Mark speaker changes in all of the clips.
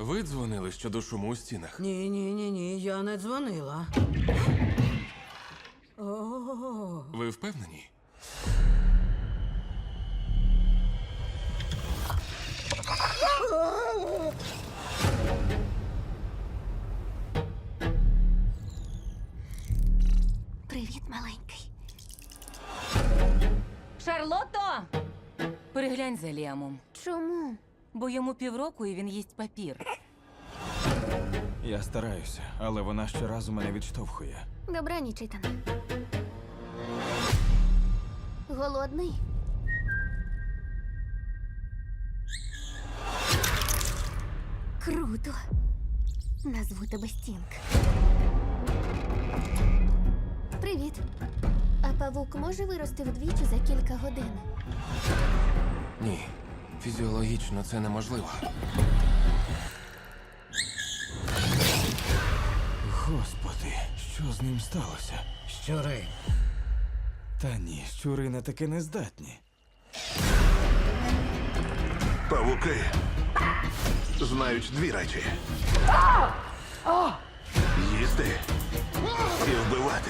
Speaker 1: Ви дзвонили щодо шуму у стінах.
Speaker 2: Ні, я не дзвонила. О,
Speaker 1: Ви впевнені?
Speaker 3: Привіт, маленький.
Speaker 4: Шарлотто! Переглянь за Ліамом.
Speaker 3: Чому?
Speaker 4: Бо йому півроку і він їсть папір.
Speaker 5: Я стараюся, але вона щоразу мене відштовхує.
Speaker 3: Добраніч, Ітане. Голодний? Круто. Назву тебе Стінг. Привіт. А павук може вирости вдвічі за кілька годин?
Speaker 1: Ні. Фізіологічно це неможливо.
Speaker 5: Господи, що з ним сталося?
Speaker 2: щури.
Speaker 5: Та ні, щури на таке не здатні.
Speaker 6: Павуки знають дві речі: їсти і вбивати.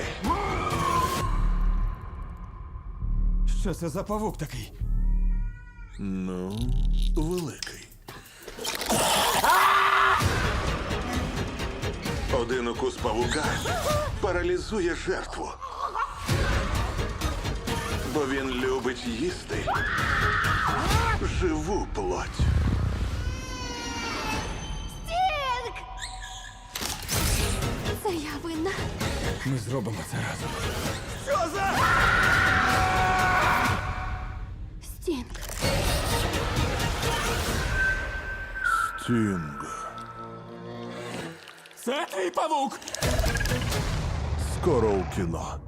Speaker 5: Що це за павук такий?
Speaker 6: Ну, великий. Один укус павука паралізує жертву. Бо він любить їсти живу плоть.
Speaker 3: Стінг! Це я винна.
Speaker 5: Ми зробимо це разом.
Speaker 3: Стінг.
Speaker 6: Стінг.
Speaker 5: Це твій павук!
Speaker 6: Скоро у кіно.